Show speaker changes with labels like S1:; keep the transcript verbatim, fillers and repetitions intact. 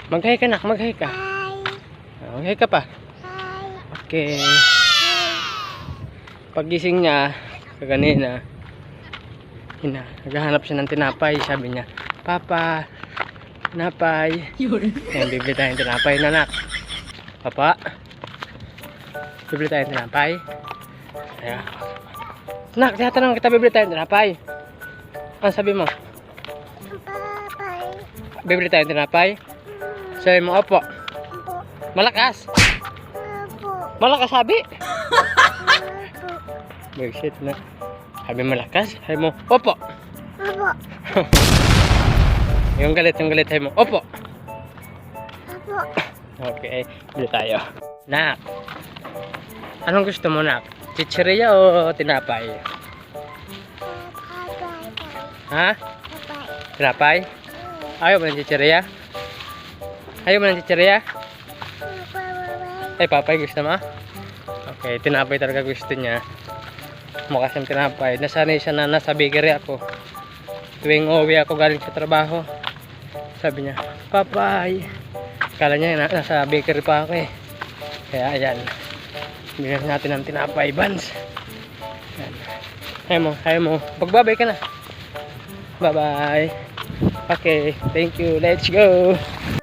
S1: Mag-hi ka nak, mag-hi ka.
S2: Hi.
S1: Mag-hi ka pa.
S2: Hi.
S1: Okay. Pagising niya, kaganina, hina, naghahanap siya ng tinapay. Sabi niya, Papa, tinapay. Yan, bibili tayong tinapay na nak. Papa, bibili tayong tinapay. Ayan. Nak, tinatanong kita, bibili tayong tinapay. Ano sabi mo?
S2: Bye.
S1: Bibili tayong tinapay? Sabi mo, opo.
S2: Opo.
S1: Malakas.
S2: Opo.
S1: Malakas sabi.
S2: Opo.
S1: Bullshit na. Sabi malakas. Sabi mo, opo.
S2: Opo.
S1: Yung galit, yung galit. Sabi mo, opo.
S2: Opo.
S1: Okay, bili tayo. Nak, anong gusto mo nak? Chicheria o tinapay? Ha? Tinapay? Ayaw mo ng chicheria? Ayaw mo ng chicheria? Ay, papay gusto mo? Okay, tinapay talaga gusto niya. Mukha siyang tinapay. Nasanay siya na nasa bakery ako. Tuwing uwi ako galing sa trabaho, sabi niya, papay. Kala niya na, nasa bakery pa ako eh. Kaya ayan, bigyan natin ng tinapay buns. Ayan. Ayaw mo, ayaw mo. Pagbabay ka na. Bye bye. Okay, thank you. Let's go.